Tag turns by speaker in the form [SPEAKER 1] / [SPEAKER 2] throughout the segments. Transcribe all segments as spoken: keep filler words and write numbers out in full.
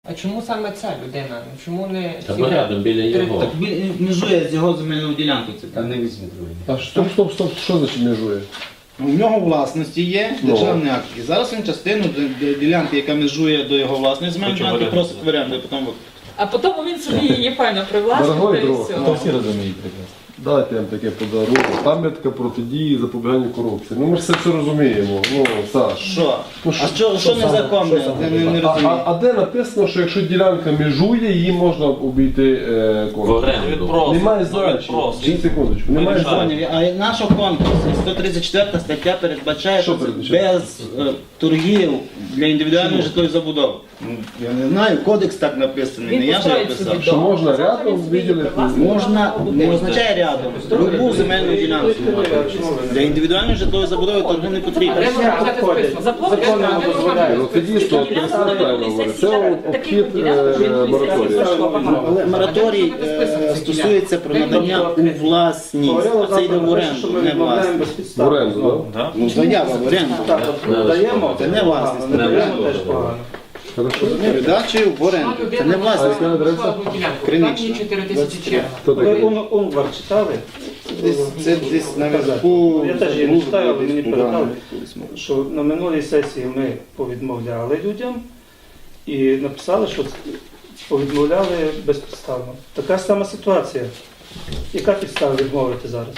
[SPEAKER 1] А чому саме ця людина? Чому не
[SPEAKER 2] Та
[SPEAKER 1] ці
[SPEAKER 2] порядом біля
[SPEAKER 1] три-
[SPEAKER 2] його.
[SPEAKER 3] Так він межує з його земельною ділянкою. Це
[SPEAKER 4] Та
[SPEAKER 3] так.
[SPEAKER 4] не візьме другий.
[SPEAKER 5] А стоп, стоп, стоп, що значить межує?
[SPEAKER 3] У нього власності є
[SPEAKER 5] Ну.
[SPEAKER 3] державний акт. І зараз він частину д- д- ділянки, яка межує до його власної земельної ділянки, просить в оренду. і Потім
[SPEAKER 6] А потім він собі її файно привласнив
[SPEAKER 5] Дорогой
[SPEAKER 6] та і
[SPEAKER 5] друг,
[SPEAKER 6] все.
[SPEAKER 5] ну,
[SPEAKER 4] Всі розуміють прекрасно.
[SPEAKER 5] Дайте я вам таке подарунок. Пам'ятка протидії запобіганню корупції. Ну ми ж це все розуміємо. Ну, Саш.
[SPEAKER 3] що?
[SPEAKER 5] Ну,
[SPEAKER 3] А що, що незаконне? Я не, не
[SPEAKER 5] А,
[SPEAKER 3] розумію.
[SPEAKER 5] а, а де написано, що якщо ділянка межує, її можна обійти е,
[SPEAKER 2] В
[SPEAKER 5] конкурс?
[SPEAKER 2] оренду.
[SPEAKER 5] Немає значення. Чи секундочку, немає значення.
[SPEAKER 3] Поняв. А наш конкурс, сто тридцять четверта стаття передбачає
[SPEAKER 5] Що
[SPEAKER 3] що
[SPEAKER 5] передбачає?
[SPEAKER 3] без е, торгів для індивідуальної житлової забудови. Ну, я не знаю, кодекс так написаний,
[SPEAKER 6] Він
[SPEAKER 3] не я ж його
[SPEAKER 6] построїть собі
[SPEAKER 3] писав.
[SPEAKER 5] Що
[SPEAKER 6] дом.
[SPEAKER 5] можна
[SPEAKER 6] Можна
[SPEAKER 5] рядом
[SPEAKER 6] він собі
[SPEAKER 5] виділити?
[SPEAKER 6] привласнити
[SPEAKER 3] Можна,
[SPEAKER 6] на
[SPEAKER 3] не
[SPEAKER 6] будинок.
[SPEAKER 3] означає рядом, любу земельну ділянку. Для індивідуальної житлової забудови торги не потрібно.
[SPEAKER 1] Де можна взяти список?
[SPEAKER 6] Заплатити,
[SPEAKER 1] Законно
[SPEAKER 6] а де можна
[SPEAKER 1] дозволяє.
[SPEAKER 5] Ну це дійсно правильно говорить. Це обхід е, мораторію.
[SPEAKER 3] Але мораторій е, стосується про надання у власність, а це йде в оренду, не власність.
[SPEAKER 5] В оренду, так?
[SPEAKER 3] Ну, заява в оренду.
[SPEAKER 4] Даємо,
[SPEAKER 3] Це не власність,
[SPEAKER 4] не
[SPEAKER 3] не
[SPEAKER 4] даємо
[SPEAKER 3] оренду.
[SPEAKER 4] теж погано.
[SPEAKER 5] Хорошо.
[SPEAKER 3] Передачі в оренду. Це не власність.
[SPEAKER 5] яка адреса?
[SPEAKER 3] Кринична.
[SPEAKER 1] чотири тисячі черга.
[SPEAKER 5] Хто
[SPEAKER 4] Ви
[SPEAKER 5] такий?
[SPEAKER 4] Ун- Унвар читали?
[SPEAKER 3] Десь, це десь наверху.
[SPEAKER 4] Я теж її не читаю, але
[SPEAKER 3] десь
[SPEAKER 4] мені
[SPEAKER 3] туди,
[SPEAKER 4] передали.
[SPEAKER 3] колись, може.
[SPEAKER 4] Що на минулій сесії ми повідмовляли людям і написали, що повідмовляли безпідставно. Така сама ситуація. Яка підстава відмовити зараз?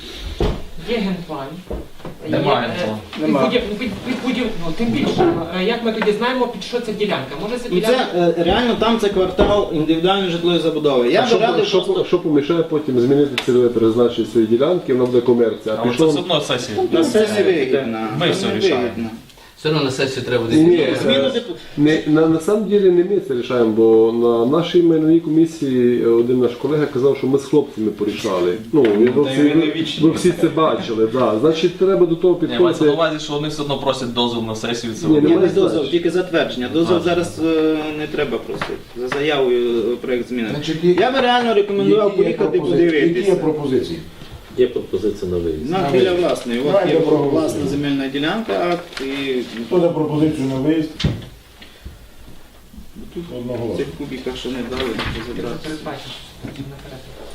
[SPEAKER 1] Є генплан.
[SPEAKER 7] Немає
[SPEAKER 1] Є, е,
[SPEAKER 7] генплану.
[SPEAKER 1] під
[SPEAKER 4] Нема.
[SPEAKER 1] будів- під- під будів- ну, Тим більше, е, як ми тоді знаємо, під що ця ділянка? Може ця
[SPEAKER 3] Ну
[SPEAKER 1] ділянка?
[SPEAKER 3] це е, реально там це квартал індивідуальної житлової забудови. Я
[SPEAKER 5] А
[SPEAKER 3] би
[SPEAKER 5] що,
[SPEAKER 3] радив
[SPEAKER 5] що,
[SPEAKER 3] просто
[SPEAKER 5] що помішає потім змінити цільове призначення своєї ділянки, вона буде комерція. А
[SPEAKER 7] Але це все
[SPEAKER 5] пішов...
[SPEAKER 7] одно сесія.
[SPEAKER 3] на сесії вигідно.
[SPEAKER 7] Ми все
[SPEAKER 3] Не
[SPEAKER 7] рішаємо.
[SPEAKER 3] вигідно.
[SPEAKER 2] Все одно на сесію треба
[SPEAKER 5] Ні, ні,
[SPEAKER 2] десь.
[SPEAKER 3] Зміну
[SPEAKER 5] е,
[SPEAKER 3] депу-
[SPEAKER 5] не, на, на самом деле не ми це рішаємо, бо на нашій майновій комісії один наш колега казав, що ми з хлопцями порішали. Ну, ви, ви, всі, ви, ви всі це бачили. Да. Значить, треба до того
[SPEAKER 7] Ні, мається на
[SPEAKER 5] підходити.
[SPEAKER 7] увазі, що вони все одно просять дозвіл на сесію. Це
[SPEAKER 5] Ні,
[SPEAKER 3] Ні,
[SPEAKER 7] вони-
[SPEAKER 3] не дозвіл, тільки затвердження. Дозвіл
[SPEAKER 7] А.
[SPEAKER 3] зараз е, не треба просити. За заявою е, проект зміни.
[SPEAKER 8] Значить, є-
[SPEAKER 3] Я би реально рекомендував
[SPEAKER 8] Які є
[SPEAKER 3] поїхати
[SPEAKER 8] пропозиції? Які є
[SPEAKER 3] подивитися.
[SPEAKER 8] пропозиції?
[SPEAKER 2] Є пропозиція на виїзд.
[SPEAKER 3] На біля власної. От
[SPEAKER 8] Давайте
[SPEAKER 3] є
[SPEAKER 8] проголосуємо.
[SPEAKER 3] власна земельна ділянка, акт і
[SPEAKER 8] Хто за пропозицію на виїзд?
[SPEAKER 3] в
[SPEAKER 8] Одноголосно.
[SPEAKER 3] цих кубіках, що не дали,
[SPEAKER 1] Це
[SPEAKER 3] забрати.
[SPEAKER 1] передбачено. Наперед.